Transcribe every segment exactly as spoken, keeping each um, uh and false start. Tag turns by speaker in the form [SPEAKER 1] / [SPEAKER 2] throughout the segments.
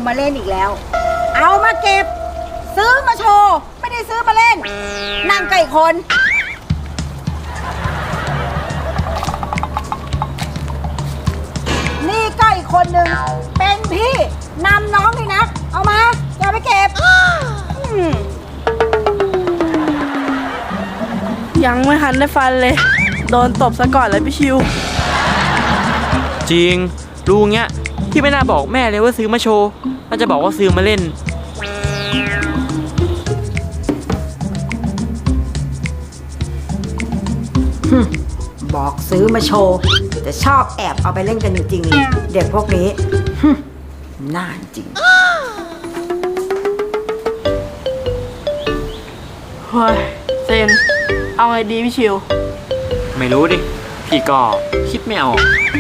[SPEAKER 1] มาเล่นอีกแล้วเอามาเก็บซื้อมาโชว์ไม่ได้ซื้อมาเล่นนั่งใกล้คนนี่ก็อีกคนหนึ่งเป็นพี่นำน้องเลยนะเอามาอย่าไปเก็บ
[SPEAKER 2] ยังไม่ทันได้ฟันเลยโดนตบซะก่อนเลยพี่ชิว
[SPEAKER 3] จริงรู้เงี้ยพี่ไม่น่าบอกแม่เลยว่าซื้อมาโชว์น่าจะบอกว่าซื้อมาเล่น
[SPEAKER 1] บอกซื้อมาโชว์แต่ชอบแอบเอาไปเล่นกันจริงๆเลยเด็กพวกนี้น่าจริง
[SPEAKER 2] เฮ้ยเซนเอาไงดีพี่ชิว
[SPEAKER 3] ไม่รู้ดิพี่ก็คิดไม่ออก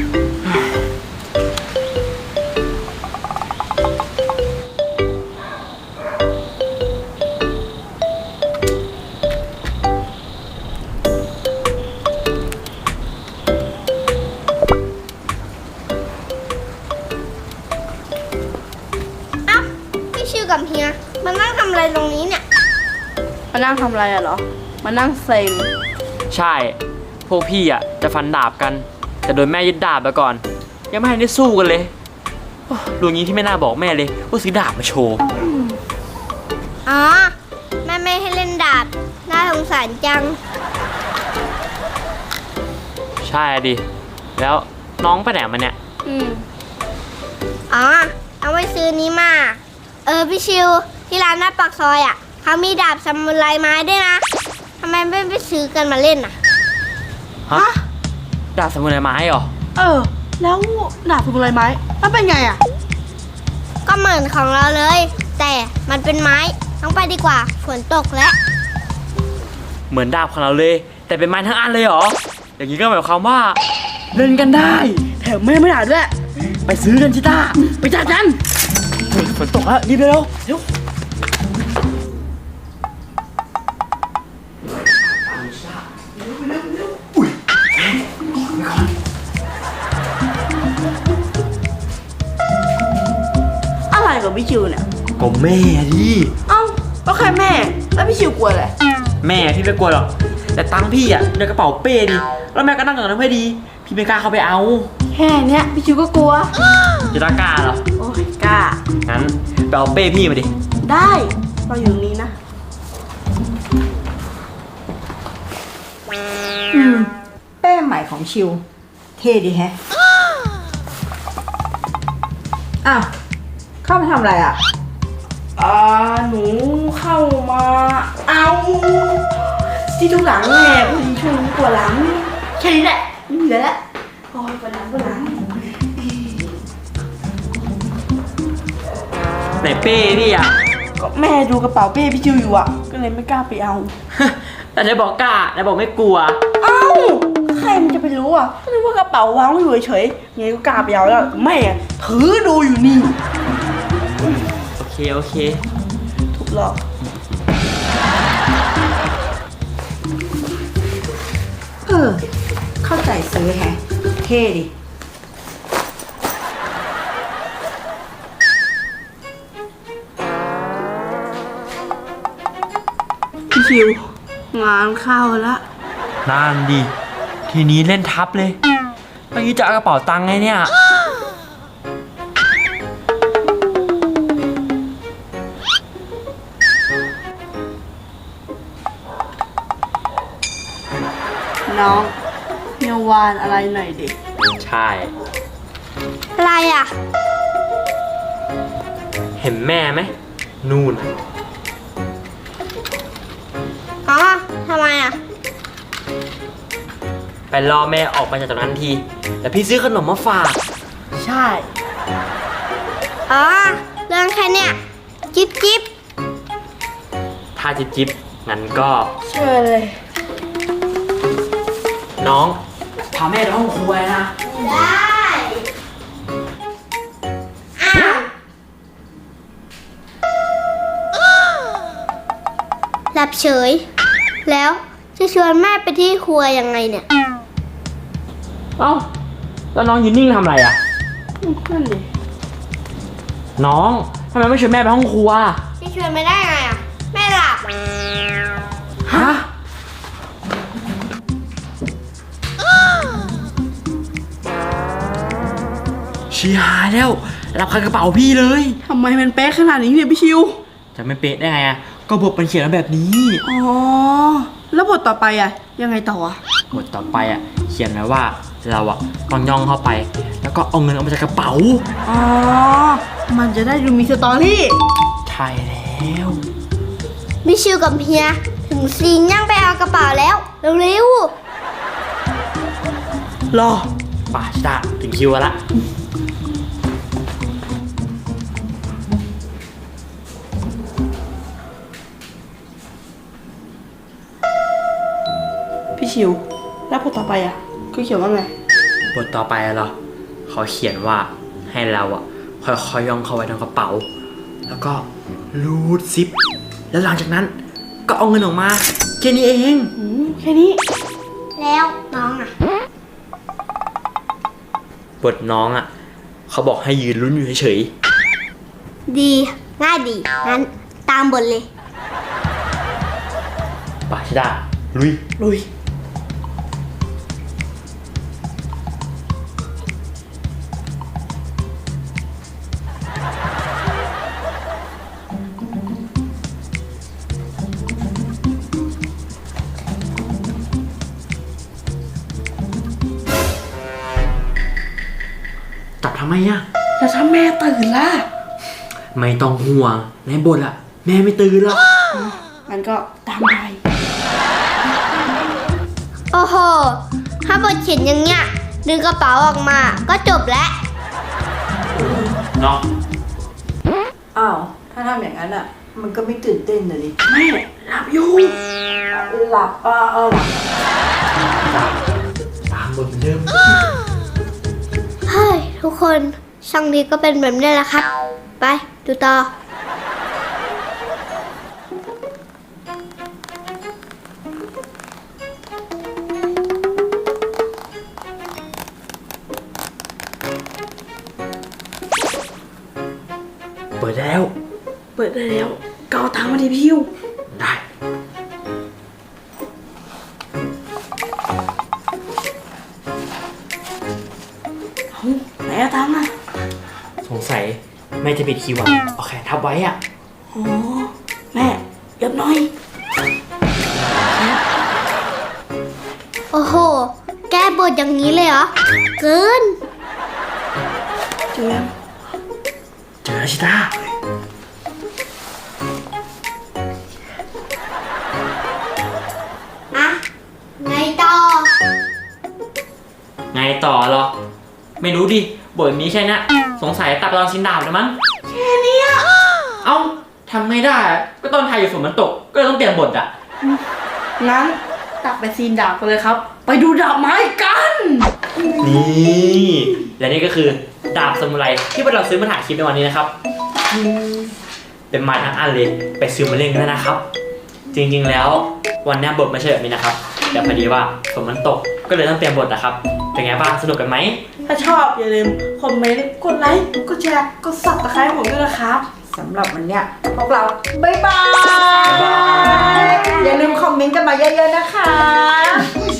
[SPEAKER 4] กับเฮียมานั่งทำอะไรตรงนี้เนี่ย
[SPEAKER 2] มานั่งทำอะไรอะเหรอมานั่งเซ็ง
[SPEAKER 3] ใช่พวกพี่อ่ะจะฟันดาบกันแต่โดนแม่ยึดดาบไปก่อนยังไม่ทันได้สู้กันเลยรู้งี้ที่ไม่น่าบอกแม่เลยว่าซื้อดาบมาโชว์
[SPEAKER 4] อ๋อแม่ไม่ให้เล่นดาบน่าสงสารจัง
[SPEAKER 3] ใช่ดิแล้วน้องไปไหนมาเนี่ย
[SPEAKER 4] อืมอ๋อเอาไว้ซื้อนี้มาเออพี่ชิวที่ร้านหน้าปากซอยอ่ะเขามีดาบซามูไรไม้ด้วยนะทำไมไม่ไปซื้อกันมาเล่นอ่ะ
[SPEAKER 3] ฮะดาบซามูไรไม้เหรอ
[SPEAKER 2] เออแล้วดาบซามูไรไม้มันเป็นไงอ่ะ
[SPEAKER 4] ก็เหมือนของเราเลยแต่มันเป็นไม้ต้องไปดีกว่าฝนตกแล้ว
[SPEAKER 3] เหมือนดาบของเราเลยแต่เป็นไม้ทั้งอันเลยเหรออย่างนี้ก็หมายความว่าเล่นกันได้
[SPEAKER 2] แถมแม่ไม่ด่าด้วย
[SPEAKER 3] ไปซื้อกันชิต้าไปจัดกันฝนตกแล้วรีบเร็วเร็ว
[SPEAKER 2] อะไรกับพี่ชิวเนี่ย
[SPEAKER 3] ก็แม่ดิ
[SPEAKER 2] เอ้าก็แค่แม่แล้วพี่ชิวกลัวอะไร
[SPEAKER 3] แม่พี่ไม่กลัวหรอกแต่ตังพี่อ่ะในกระเป๋าเป้ดิแล้วแม่ก็นั่งกับน้ำไม่ดีพี่ไม่กล้าเข้าไปเอา
[SPEAKER 2] แค่เนี้ยพี่ชิวก็กลัว
[SPEAKER 3] จะกล้าเหรอ
[SPEAKER 2] โอ้ยกล้า
[SPEAKER 3] งั้นไปเอาเป้พี่มาดิ
[SPEAKER 2] ได้เราอยู่ตรงนี้นะ
[SPEAKER 1] อืมเป้ใหม่ของชิวเท่ดีแฮะอ้าวเข้ามาทำอะไรอ่ะ
[SPEAKER 2] อ่าหนูเข้ามาเอาที่ทุกหลังแม่พอดีช่วงนี้ปวดหลังแค่นี้แหละไม่เหลือแล้วโอ้ยปวดหลังปวดหลัง
[SPEAKER 3] ไหนเป้พี่อ่ะ
[SPEAKER 2] ก็แม่ดูกระเป๋าเป้พี่ชิวอยู่อ่ะก็เลยไม่กล้าไปเอา
[SPEAKER 3] แต่ได้บอกกล้าได้บอกไม่กลัว
[SPEAKER 2] เอ้าใครมันจะไปรู้อ่ะก็นึกว่ากระเป๋าวางอยู่เฉยๆไงก็กล้าไปเอาแล้วแม่ถือดูอยู่นี่
[SPEAKER 3] โอเคโอเค
[SPEAKER 2] ถูกหรอก
[SPEAKER 1] เออเข้าใจซื้อแฮะเท่ดิ
[SPEAKER 2] พี่ชิวงานเข้าละ
[SPEAKER 3] นั่นดิทีนี้เล่นทับเลยเมื่อกี้จะเอากระเป๋าตังค์ไงเนี่ย
[SPEAKER 2] น้องเฮียวานอะไรหน่อยดิ
[SPEAKER 3] ใช่
[SPEAKER 4] อะไรอ่ะ
[SPEAKER 3] เห็นแม่ไหมนู่น
[SPEAKER 4] อ๋อทำไมอ่ะ
[SPEAKER 3] ไปรอแม่ออกมาจากตรงนั้นทีแต่พี่ซื้อขนมมาฝาก
[SPEAKER 2] ใช่
[SPEAKER 4] อ๋อเรื่องแค่เนี้ยจิ๊บจิ๊บ
[SPEAKER 3] ถ้าจิ๊บจิ๊บงั้นก็
[SPEAKER 2] เชิญเลย
[SPEAKER 3] น้องพาแม่ไปห้องครัวนะ
[SPEAKER 4] ได้อ้าวหลับเฉยแล้วจะชวนแม่ไปที่ครัวยังไงเนี่ย
[SPEAKER 3] เอ้าแล้วน้องยืนนิ่งทำอะไรอ่ะ
[SPEAKER 2] นั่นดิ
[SPEAKER 3] น้องทำไมไม่ชวนแม่ไปห้องครัว
[SPEAKER 4] พี่ชวนไม่ได้ไงอ่ะแม่หลับ
[SPEAKER 3] ฮะ ชีหายแล้ว รับคากระเป๋าพี่เลย
[SPEAKER 2] ทำไมมันเป๊ะขนาดนี้เนี่ยพี่ชิว
[SPEAKER 3] จะไม่เป๊ะได้ไงอ่ะ ก็บทมันเขียนมาแบบนี้
[SPEAKER 2] อ๋อ แล้วบทต่อไปอ่ะ ยังไงต่ออ่ะ
[SPEAKER 3] บทต่อไปอ่ะ เขียนไว้ว่าเราอ่ะต้องย่องเข้าไป แล้วก็เอาเงินออกมาจากกระเป๋า
[SPEAKER 2] อ๋อ มันจะได้ดูมีสตอรี่
[SPEAKER 3] ใช่แล้ว
[SPEAKER 4] พี่ชิวกับเฮียถึงซีนย่างไปเอากระเป๋าแล้วเร็ว
[SPEAKER 2] รอ
[SPEAKER 3] ป่าชิตาถึงคิวแล้วละ
[SPEAKER 2] พี่ชิว แล้วบทต่อไปอ่ะคือเขียนว่าไง
[SPEAKER 3] บทต่อไปอะเหรอเขาเขียนว่าให้เราอ่ะค่อยๆย่องเข้าไปในกระเป๋า แล้วก็รูดซิป แล้วหลังจากนั้นก็เอาเงินออกมาแค่นี้เอง
[SPEAKER 2] อืมแค่นี้
[SPEAKER 4] ๆแล้วน้องอ่ะ
[SPEAKER 3] บทน้องอ่ะเขาบอกให้ยืนลุ้นอยู่เฉย
[SPEAKER 4] ดีง่ายดีงั้นตามบทเลย
[SPEAKER 3] ๆป่าชิตาลุย
[SPEAKER 2] ลุย
[SPEAKER 3] จับทำไมอ่ะ
[SPEAKER 2] แล้วถ้าแม่ตื่นล่ะ
[SPEAKER 3] ไม่ต้องห่วงในบทอ่ะแม่ไม่ตื่นหรอก
[SPEAKER 2] มันก็ตามไป
[SPEAKER 4] โอ้โห ถ้าบทเขียนอย่างเงี้ยดึงกระเป๋าออกมาก็จบแล้ว
[SPEAKER 3] เนาะ
[SPEAKER 1] อ้าว ถ้าทำอย่างนั้นอ่ะ มันก็ไม่ตื่นเต้นเลยดิ
[SPEAKER 2] แม่หลับอยู่
[SPEAKER 1] หลับอ่ะเออ
[SPEAKER 3] ตามบทเหมือนเดิม
[SPEAKER 4] เฮ้ย ทุกคนช่างนี้ก็เป็นแบบนี้แหละครับ ไปดูต่อ
[SPEAKER 3] เปิดได้แล้ว
[SPEAKER 2] เปิดได้แล้วก็เอาตังค์มาดิพี่ชิว
[SPEAKER 3] ได้
[SPEAKER 2] เอาไหนเอาตังค์อ่ะ
[SPEAKER 3] สงสัยแม่จะปิดคิวอ่ะเอาแขนทับไว้อ่ะ
[SPEAKER 2] อ๋อ แม่เรียบน้อย
[SPEAKER 4] โอ้โห แก้บทอย่างนี้เลยเหรอ เกิน
[SPEAKER 2] เจอยัง
[SPEAKER 3] เจอแล้วชิตา
[SPEAKER 4] อะไงต่อ
[SPEAKER 3] ไงต่อเหรอ ไม่รู้ดิบทนี้แค่นี้สงสัยตัดตอนชินดาบเลยมั้งแค่นี้เอ้าทำไม่ได้อะก็ตอนถ่ายอยู่ฝนมันตก ก็เลยต้องเปลี่ยนบทอ่ะ
[SPEAKER 2] งั้นตัดไปซีนดาบกันเลยครับ ไปดูดาบไม้กัน
[SPEAKER 3] นี่และนี่ก็คือดาบซามูไรที่พวกเราซื้อมาถ่ายคลิปในวันนี้นะครับอืมเป็นไม้ทั้งอันเลยไปซื้อมาเล่นกันได้นะครับ จริงๆแล้ววันนี้บทไม่ใช่แบบนี้นะครับแต่พอดีว่าฝนมันตกก็เลยต้องเปลี่ยนบทนะครับเป็นไงบ้างสนุกกันไหม
[SPEAKER 2] ถ้าชอบอย่าลืมคอมเมนต์ กดไลค์ กดแชร์ กดซับสไครต์ผมด้วยนะครับ
[SPEAKER 1] สำหรับวันเนี้ยพวกเราบ๊ายบาย
[SPEAKER 3] บ๊ายบาย
[SPEAKER 1] อย่าลืมคอมเมนต์กันมาเยอะๆนะคะ